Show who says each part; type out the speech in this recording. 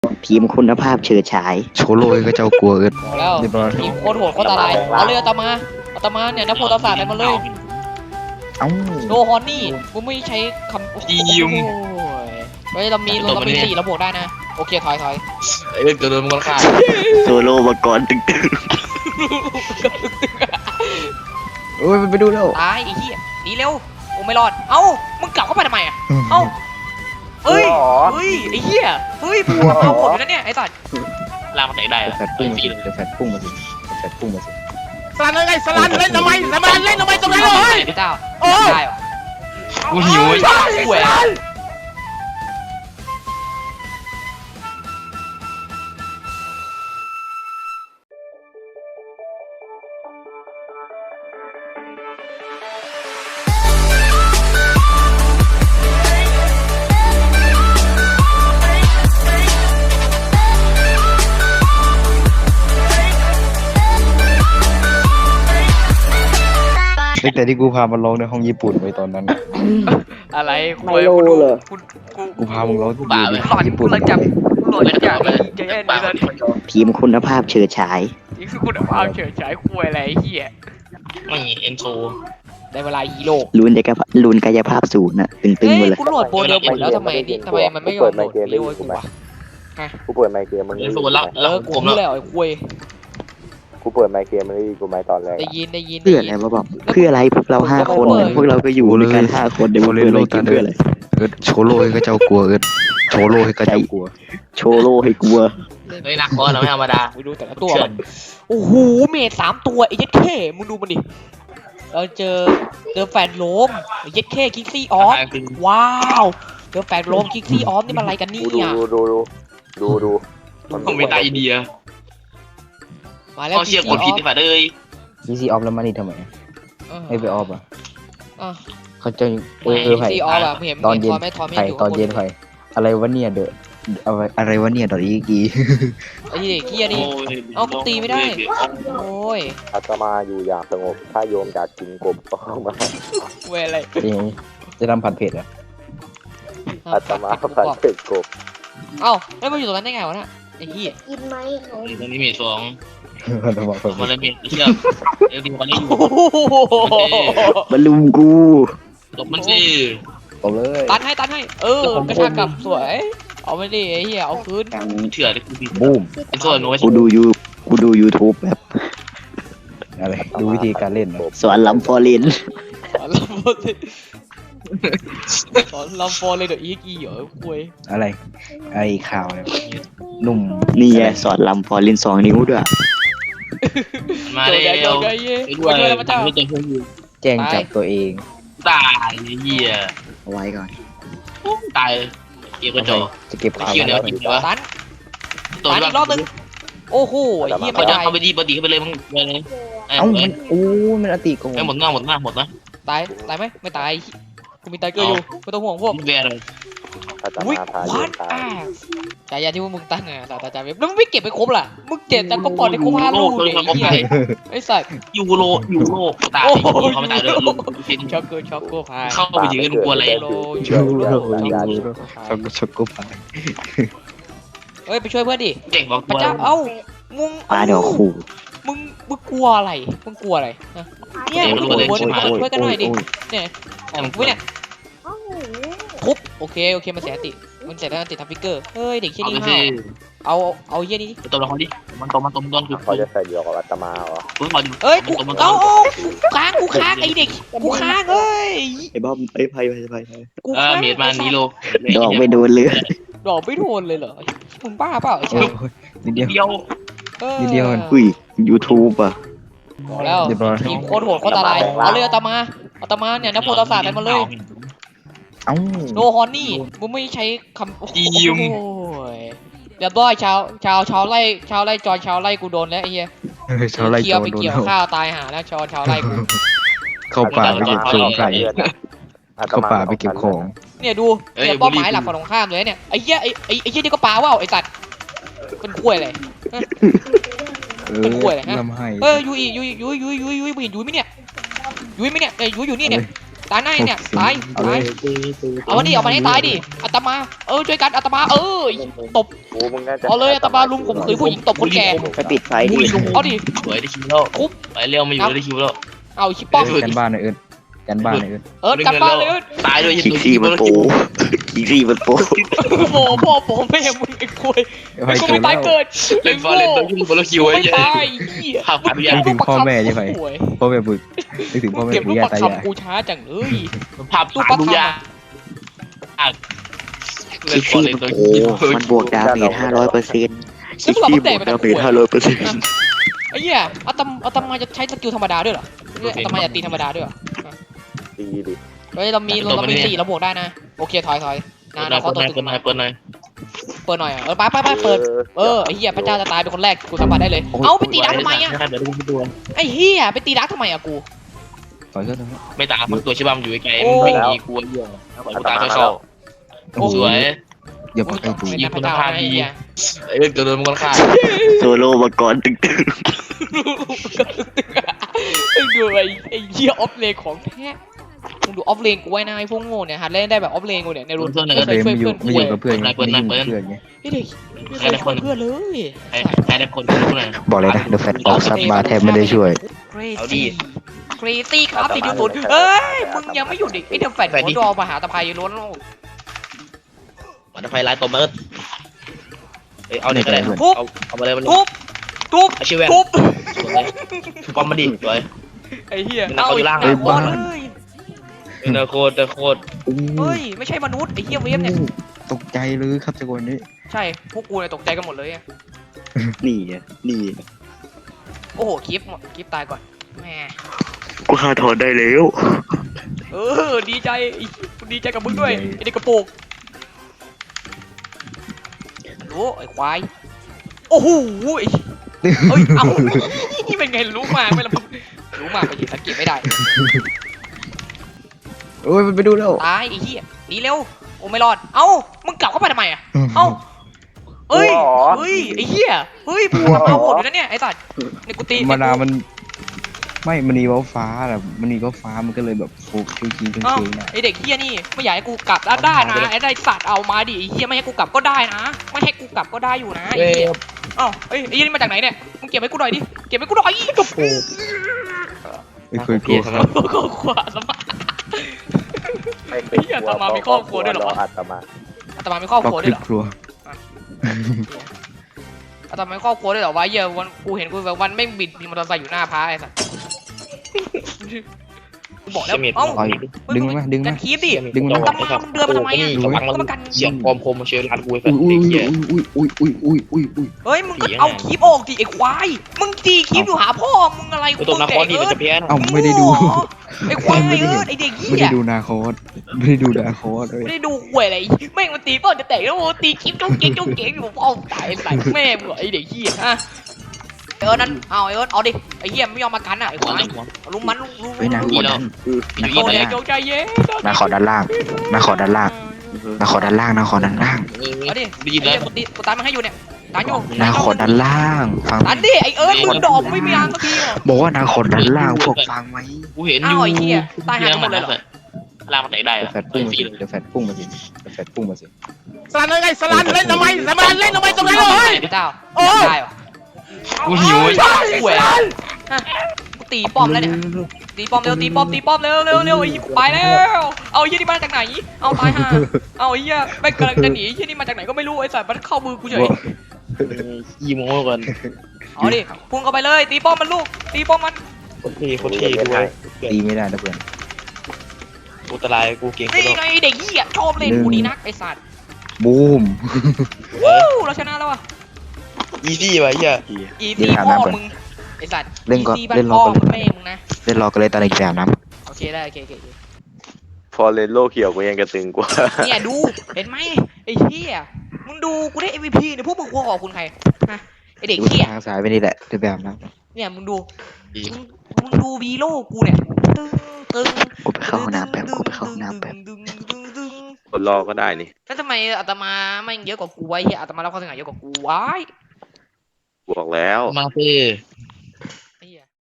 Speaker 1: ทีมคุณภาพเฉิดฉาย
Speaker 2: โชโลยก็เจ้ากลัวเกิน
Speaker 3: แล้วทีมโคตรโหดโคตรตาลายเอาเลยอาตมาเนี่ยนักโพธิศาสตร์อะไรมาเลยโนฮอนนี่กูไม่ใช้คำทีมเฮ้ยเรามี4เราบวกได้นะโอเคถอย
Speaker 4: ไอ้เรื่องตัวโดนมันฆ่า
Speaker 1: โซโลมาก่อนตึง
Speaker 2: โอ้ยไปดูแล้ว
Speaker 3: ตายไอ้เหี้ยหนีเร็วโอ้ไม่รอดเอ้ามึงกลับเข้าไปทำไมอ่ะเอ้าเฮ้ยไอ้เหี้ยเฮ้ยมึงเอาหมดเลยนะเนี่ยไอ้สัตว์
Speaker 4: ลากมันแตกได้เหรอ
Speaker 2: แฟดพุ่งมาสิแฟดพุ่งมาสิแฟดพุ่งมาสิ
Speaker 5: สลันเลยไงสลันเล่นทำไมสลันเล่นทำไมตรงนั้นเลย
Speaker 3: เจ้าได้เหรอ
Speaker 4: กูหิว
Speaker 5: ใช่สลัน
Speaker 2: ตั้งแต่ที่กูพามันร้องในห้องญี่ปุ่นไปตอนนั้น
Speaker 3: อะไรคุยกู
Speaker 2: กูพามึงร้องที่
Speaker 3: บ้า
Speaker 2: ดี
Speaker 3: เลยหลอนกูเลยจับหลอนจับจะแย่นี่แล้ว
Speaker 1: ทีมคุณภาพเฉิดฉาย
Speaker 3: นี่คือคุณภาพเฉยฉายคุยอะไรเหี้ย
Speaker 4: ไม่เอ็นโซ
Speaker 3: ได้เวลาฮีโร่
Speaker 1: ลุนกายภาพศูนย์น่ะตึง
Speaker 3: เฮ้
Speaker 1: ๆหมด
Speaker 3: ย
Speaker 1: เลย
Speaker 3: กูโหลดโบเดิมหมดแล้วทำไมมันไม่ยอมโหลดฮีโร่กูวะ
Speaker 6: กูเปิดไมค์เกมมึง
Speaker 4: เอ็นโซแล้ว
Speaker 3: กู
Speaker 4: ผม
Speaker 3: รู้
Speaker 4: แล้ว
Speaker 3: แล้วไอ้คุย
Speaker 6: กูเปิดไมค์เกมมึงกูไมค์ตอนแรก
Speaker 3: ได้ยิน
Speaker 1: เพื่ออะไรวะบอกเพื่ออะไรพวกเรา5 คนพวกเราก็อยู่ด้วยกัน5 คนเดี๋ยว
Speaker 2: โช
Speaker 1: มัน
Speaker 2: โล
Speaker 1: เพื่ออะไร
Speaker 2: ย
Speaker 1: กินเพื่ออะไร
Speaker 2: โชโลยก็เจ้ากลัวเกินโชโลยก็เจ้ากลัว
Speaker 1: โชโลให้กลัว
Speaker 4: เฮ้ยนักคอเราไม่ธรรมดา
Speaker 3: ไปดูแต่ละตัวมันโอ้โหเมท3 ตัวไอ้เย็ดเข้มึงดูมันดิเราเจอแฟนโลมไอ้เย็ดเข้คิกซี่ออฟว้าวเจอแฟนโลมคิกซี่ออฟนี่มันอะไรกันนี่อ่ะ
Speaker 6: ดู
Speaker 4: ผมเป็นตาอินเดีย
Speaker 3: มาแล้ว
Speaker 4: เขาเชียร์กดผิดที่ฝ่าเลย
Speaker 2: ซีซีออฟแล้วมันนี่ทำไมไม่ไปออฟอ่ะ
Speaker 3: อ่ะ
Speaker 2: เขาจะไผ่
Speaker 3: ซีออฟอะเห็น
Speaker 2: ตอนเย็น
Speaker 3: ทอมไม่
Speaker 2: ไผ่
Speaker 3: อยู่
Speaker 2: ตอนเย็นไผ่อะไรวะเนี่ยเดอะอะไรวะเนี่ยดอทอีกี
Speaker 3: ไอ้เด็กเกียนี่เอากูตีไม่ได้โอ้ย
Speaker 6: อาตมาอยู่อย่างสงบถ้าโยมอยากกินกบก็เข้ามา
Speaker 3: เวอะไร
Speaker 2: จะทำผัดเผ็ดอ่ะ
Speaker 6: อาตมาผัดเผ็ดกบ
Speaker 3: เอ้าแล้วมาอยู่ตรงนั้นได้ไงวะน่ะไอ้เหี้ย
Speaker 7: กินไหมหนู
Speaker 4: ตรงนี้มีสอง
Speaker 2: มันจะบอกผม
Speaker 4: มันเลยมีเชือกเอลดีวันนี้อยู่
Speaker 1: มาลุมกู
Speaker 4: ตบมันสิ
Speaker 2: เอาเลย
Speaker 3: ตันให้กระชากกลับสวยเอาไปดิไอ้เหี้ยเอาคืน
Speaker 4: เชื่อเลยกูผิด
Speaker 2: บูม
Speaker 4: เอ็นโซโน้ต
Speaker 1: กูดู YouTube แบบ
Speaker 2: อะไรดูวิธีการเล่นนะ
Speaker 1: สอนลำฟอริน
Speaker 3: สอนลำฟอร์เลยเดี๋ยวอีเหรอคุย
Speaker 2: อะไรไอ้ข่าวเนี่ยหนุ่ม
Speaker 1: นี่ไงสอนลำฟอริน2 นิ้วด้วย
Speaker 4: มาเร็ว
Speaker 3: ไอ้เหี้ย
Speaker 4: ไปด้วย
Speaker 3: แล้วพระเจ้า
Speaker 4: ไม่เจอพวกอยู่
Speaker 2: แจ้งจับตัวเอง
Speaker 4: ตายเหี้ย
Speaker 1: เอาไว้ก่อน
Speaker 4: ตายเก็บกระจก
Speaker 2: จะเก็บข่าว
Speaker 4: เกี่ยวเดี๋ยวกินวะ
Speaker 3: ตัน
Speaker 4: ตัว
Speaker 3: ตันอีกรอบนึงโอ้โหไอ้เหี้ย
Speaker 4: เขา
Speaker 3: ไม่
Speaker 4: จะ
Speaker 3: ได้
Speaker 4: เข้าไปดีปกติเข้าไปเลยมึงไปเลย
Speaker 2: เอ้ามันโอ้มันอติโกง
Speaker 4: หมดนะ
Speaker 3: ตายไหมไม่ตายกูมีไทเกอร์อยู่ไม่ต้องห่วงพวก
Speaker 4: มึงแวร์เลย
Speaker 6: อาต
Speaker 3: อุ้ย
Speaker 6: มาพาโย
Speaker 3: วั
Speaker 6: ม
Speaker 3: ด
Speaker 6: ตาย
Speaker 3: ฉายาที่ว่ามึงตั้งไงศาสตราจารย์เว็บแล้วมึงไม่เก็บไปครบล่ะมึงเก็บแต่ก็ปล่อยในครบ5 ลูกเลยไอ้เหี้ยไอ้สัตว์
Speaker 4: ยูโรตายเขาไม่ตายเลยลุง
Speaker 3: ช็อกเกอร์พาย
Speaker 4: เข้าไปถึงกันกลัวอะไร
Speaker 3: โล
Speaker 2: ช็อกโกพาย
Speaker 3: เฮ้ยไปช่วยเพื่อนดิ
Speaker 4: เก่งบอก
Speaker 3: พระ
Speaker 4: ตัว
Speaker 3: เจ้าเอ้ามึง
Speaker 1: ปลาเดี๋ยวขู่
Speaker 3: มึงกลัวอะไรนะเนี่ยมึงอยู่บนช่วยกันหน่อยดิเนี่ยกูเนี่ย
Speaker 7: โอ้โห
Speaker 3: ทุบโอเคมันเสียติมันเสียแล้วติดทับฟิกเกอร์เฮ้ยเด็กเชี่ย
Speaker 4: เอา
Speaker 3: นี่
Speaker 4: ไปสิ
Speaker 3: เอาเยี่ยนี่
Speaker 4: ตัวละครดิมันตรงคือ
Speaker 6: เขาจะใส่เดียวกับอาตมาเหรอ
Speaker 4: คุณบอล
Speaker 3: เอ้ยกูเอากูค้างไอเด็กกูค้างเอ้ย
Speaker 1: ไอ้บอมไอ้ไพ่
Speaker 3: กูค้าง
Speaker 4: เมียดมานีโล
Speaker 1: ดอกไม่โดนเลย
Speaker 3: ดอกไม่โดนเลยเหรอมึงบ้าเปล่าไอ้ชา
Speaker 2: นิดเดียว
Speaker 4: เดียว
Speaker 2: นิดเดียว
Speaker 1: อุ้ย YouTube อ่ะ
Speaker 3: บอกแล้วทีมโคตรโหดโคตรตาลายเอาเลยอาตมาเนี่ยนักโพธิศาสตร์อะไรมาเลย
Speaker 2: เอ้า
Speaker 3: โนฮอนนี่มึงไม่ใช้คำโอ้ยเรียบร้อยชาวไล่ชาวไล่กูโดนแล้วไอ้เหี้ย
Speaker 2: ชาวไร่
Speaker 3: เกี่
Speaker 2: โจ
Speaker 3: ยว
Speaker 2: ร
Speaker 3: ไป
Speaker 2: โดน
Speaker 3: เกี่ยวข้าวตายหาแล้วชาวไล่กู
Speaker 2: เข้าป่าไปเก็บของไก่เข้าป่าไปเก็บของ
Speaker 3: เนี่ยดูเนี่ยเป้าหมายหลักฝั่งตรงข้ามเลยเนี่ยไอ้เหี้ยไอ้เหี้ยนี่ก็ปลาว่าวไอ้สัตว์เป็นกล้วยเลย
Speaker 2: ลำไห้
Speaker 3: ยูอียูไม่เห็นยูไหมเนี่ยยูไหมเนี่ยยูอยู่นี่เนี่ยตายหน้าเนี่ยตาย
Speaker 2: เอาเล
Speaker 3: ตาย
Speaker 2: ย
Speaker 3: เอามาดิเอามาให้ตายดิอาตมาช่วยกันอาตมาตบ
Speaker 6: กูมึงน่าจะ
Speaker 3: เอาเลยอาตมาลุมข่มขืนผู้หญิงตบคนแก่
Speaker 1: ไปปิดไฟดิ
Speaker 3: เอาดิ
Speaker 4: สวยได้คิวแล้วไปเร็วมาอยู่ได้คิวแล้ว
Speaker 3: เอาชิปป้อม
Speaker 2: กันบ้านหน่อยกันบ้านหน่อย
Speaker 3: จับบ้านเลย
Speaker 4: ตายด้วย
Speaker 1: คิกซี่มันโปคิกซี่มันโป
Speaker 3: โอ้พ่อแม่มึงไอ้คุยไอ้กูไม่ตายเกิด
Speaker 4: เล่นบอลเล่นตัวคิวบอลคิวไว้
Speaker 3: ไม่
Speaker 4: เยอะ
Speaker 3: ตาย
Speaker 2: นึกถึงพ่อแม่ใช่ไหมพ่อแม่บึกนึกถึงพ่อแม่
Speaker 3: เก็บ
Speaker 2: ปู่
Speaker 3: รูป
Speaker 2: ย่า
Speaker 3: ประ
Speaker 2: ตายาย
Speaker 3: คำกูช้าจังเลย
Speaker 4: ภาพตู้ดูยา
Speaker 1: คิกซี่มันโปมันบวกดาเมจ500%คิกซี่บวกดาเมจ500%
Speaker 3: ไอ้เหี้ยอาตมาจะใช้สกิลธรรมดาด้วยเหรออาตมาจะตีธรรมดาด้วยเหรอ
Speaker 6: ตีดิ
Speaker 3: เฮ้ยเรามี4เราบวกได้นะโอเคถอยนะเขาตัวตึงมา
Speaker 4: เปิดหน่อย
Speaker 3: เปิดหน่อยไปเปิดไอ้เหี้ยพระเจ้าจะตายเป็นคนแรกกูสัมผัสได้เลยเอาไปตีดักทำไมอ่ะ
Speaker 4: เดี๋ยวดูตัว
Speaker 3: ไอ้เหี้ยไปตีดักทำไมอ่ะกู
Speaker 2: ต่อยก็ได้
Speaker 4: ไม่ตามตัวชิบัมอยู่ไกลไม่มีกลัวเยอะกูตาชอบสวย
Speaker 2: อย่าไปใกล้ตู
Speaker 3: ไม่ใช่พระเจ้าไอ้เหี้ย
Speaker 4: ไอ้เรื่องเกิดมันค่อนข้าง
Speaker 1: โซโล่มังกรตึง
Speaker 3: ดูไอ้เหี้ยออฟเลนของแท้มึงดูออฟเลนกูไว้นะไอ้พวกโง่เนี่ยหัดเล่นได้แบบออฟเลนกูเนี่ยในรุ่น
Speaker 2: เฟรมไม่อยู่กับเพื่อนไงไม่อยู่กับเพื่อนไง
Speaker 3: ไอ้เด็กไม่เคยช่วยเพื่อนเลย
Speaker 4: ใครได้คนรู้หน่อย
Speaker 2: บอกเลยนะเดอะแฟตออกซับมาแทบไม่ได้ช่วย
Speaker 4: เอาดิ
Speaker 3: ครีตี้ครับ4.0เอ้ยมึงยังไม่หยุดอีกไอ้เดอะแฟตหัวดอมหาตะไคร้ล้วนโลก
Speaker 4: มันไฟไลท์ตัวเมิร์ดเอาเนี่ยก็ได้เอามาเลยมัน
Speaker 3: ทุบ
Speaker 4: อาชีพแวน
Speaker 3: ทุบ
Speaker 4: ปอมมาดิสวย
Speaker 3: ไอ้เหี้ย
Speaker 4: เอาอยู่ล่าง
Speaker 3: เลยบ้านเลย
Speaker 4: เนอโคตร
Speaker 3: เฮ้ยไม่ใช่มนุษย์ไอ้เหี้ยเวฟเนี่ย
Speaker 2: ตกใจเลยครับจังหวะนี้
Speaker 3: ใช่พวกกูเนี่ยตกใจกันหมดเลย
Speaker 1: ๆนี่อ่ะนี่
Speaker 3: โอ้โหคลิปตายก่อนแหม
Speaker 1: กูฆ่าถอนได้แล้ว
Speaker 3: ดีใจกับมึงด้วยไอ้เด็กกระโปรงโอ้ไอ้ควายโอ้โหเฮ้ยเอานี่เป็นไงรู้มากไหมล่ะรู้มากไปยิงสังเกตไม่ได้
Speaker 2: โอ้ยมันไปดูแล้ว
Speaker 3: ตายไอ้เหี้ยหนีเร็วโอ้ไม่รอดเอ้ามึงกลับเข้าไปทำไมอ่ะเอ้าเฮ้ยไอ้เหี้ยเฮ้ยมึงทำเอาหมดอยู่นะเนี่ยไอ้สัตว์เนี่ยกูตี
Speaker 2: มานามันไม่มันนีฟ้าแหละมันนีฟ้ามันก็เลยแบบโฟกิ้งกิ้ง
Speaker 3: เอ้า
Speaker 2: นะ
Speaker 3: ไอ้เด็กเหี้ยนี่ไม่อยากให้กูกลับได้นะไอ้ได้สัตว์เอามาดิไอ้เหี้ยไม่ให้กูกลับก็ได้นะไม่ให้กูกลับก็ได้อยู่นะไอ้เหี้ยเอ้าไอ้เหี้ยนี่มาจากไหนเนี่ยมึงเก็บให้กูหน่อยดิเก็บให้กูหน่อยกระโปรง
Speaker 2: ไม่เคยกลัวครับ
Speaker 3: ก็ขวาสมา
Speaker 6: ไม่เป็นอาตมามีครอบครัวด้วยเหรอ
Speaker 3: อาตมามีครอบครัวด้วยเหรอ
Speaker 2: ครัว
Speaker 3: อาตมามีครอบครัวด้วยเหรอวะเหี้ยวันกูเห็นกูแบบวันไม่บิดมอเตอร์ไซค์อยู่หน้าพระไอ้สัสกูบอกแล้วเอ้า
Speaker 2: ดึงมาดึง
Speaker 3: กั
Speaker 2: มาน
Speaker 3: คีบดิ
Speaker 2: ดึง
Speaker 3: อา
Speaker 2: มา
Speaker 3: ตมามึงเดินมาทำไมอ่ะ
Speaker 4: ก็มากันเสียงคอมคมมาเชียร์ร้านกูไป
Speaker 2: อุ้ย
Speaker 4: เด็ก
Speaker 2: อุ้ย
Speaker 4: เหี้ย
Speaker 2: อุ้ยอุ้ยอุ้ยอุ้ยอุ้ย
Speaker 3: เฮ้ยมึงก็เอาคีบออกดิไอ้ควายมึงตีคีบอยู่หาพ่อมึงอะไร
Speaker 4: ตัวนักคอดีมันจะเพี้ยน
Speaker 2: เอ้าไม่ได้ดู
Speaker 3: ไอ้ควายไอ้เด็กเหี้
Speaker 2: ไม่
Speaker 3: ย
Speaker 2: ได้ดูนาคอสไม่ได้ดูนาคอสเลย
Speaker 3: ไม่ได้ดูหวยอะไรแม่งมันตีเป้าจะแตกแล้วโอ้ตีคลิปจ้องเก่งอยู่พ่อตายใส่แม่มึงไอ้เด็กเหี้ยฮะนั่นเอาเอาดิไอ้เหี้ยไม่ยอมมากันอ่ะไอ้ควายลุมมันลุม
Speaker 2: เฮ้ยนาคอด้าน
Speaker 3: โอ้ยโจใจเย็น
Speaker 2: นาคอด้านล่างนาคอด้านล่างนาคอด้านล่างนาคอด้านล่าง
Speaker 3: เอาดิ
Speaker 4: ได้ยินแล้ว
Speaker 3: กูตามมันให้อยู่เนี่ยตายอยู่
Speaker 2: นาคอด้านล่างฟัง
Speaker 3: ตันดิไอ้มึงดอกไม่มีอังสักที
Speaker 2: บอกว่านาคอด้านล่างพวกฟังไหม
Speaker 4: กูเห็นอยู่ลามันไหนได้
Speaker 2: เดี๋ยวแฟดพุ่งมาสิเดี๋ยวแฟดพุ่งมาสิเดี๋ยวแฟดพุ่งมาสิ
Speaker 5: สลันเลยไงสลันเล่นทำไมสลันเล่นทำไมตรงนั้นเลย
Speaker 3: พี่เจ้าได้หรอ
Speaker 4: กูหิว
Speaker 3: หวยกูตีป้อมแล้วเนี่ยตีป้อมเร็วตีป้อมเร็วไอ้ยี่ไปแล้วเอายี่นี่มาจากไหนเอาตายห่าเอาไอ้ยี่ไม่กำลังจะหนียี่นี่มาจากไหนก็ไม่รู้ไอ้สัตว์มันเข้ามือกูเฉย
Speaker 4: ยี่โมก่อน
Speaker 3: เอาดิพุ่งเข้าไปเลยตีป้อมมันลูกตีป้อมมัน
Speaker 4: โคตรเท่ด้วย
Speaker 2: ตีไม่ได้นะเพื่อน
Speaker 4: กูตรายกูเก่งกู
Speaker 3: นี่ไงเด็กเหี้ยชอบเล่นกูดีนักไอ้สัตว์
Speaker 2: บูม
Speaker 3: วู้เราชนะแล้วอ่ะ
Speaker 4: อีซี่วะเฮีย
Speaker 3: อีซี่พ่อมึงไอ้สัตว์แม่มึงนะ
Speaker 2: เล่นรอกันเลยตอนอีกแบบน้ำ
Speaker 3: โอเคได้โอเค
Speaker 6: พอเลนโลเขียวกูยังกระตึงกว่า
Speaker 3: เนี่ยดูเห็นไหมไอ้เหี้ยมึงดูกูได้ MVP เนี่ยพวกมึงควรขอบคุณใครฮะไอ้เด็ก
Speaker 2: ดู
Speaker 3: เหี้ย
Speaker 2: ทางซ้ายไปนี่แหละในแบบน้ำ
Speaker 3: เนี่ยมึงดูวีโร่กูเนี่ยตึ้ง
Speaker 1: กูไปเข้าห้องน้ำแป๊บกูไปเข้าห้องน้ำแป๊บ
Speaker 6: คนรอก็ได้นี่
Speaker 3: แล้วทำไมอาตมาไม่เยอะกว่ากูไว้เหี้ยอาตมารับความเสียหายเยอะกว่ากูไว้
Speaker 6: บอกแล้ว
Speaker 4: มาสิ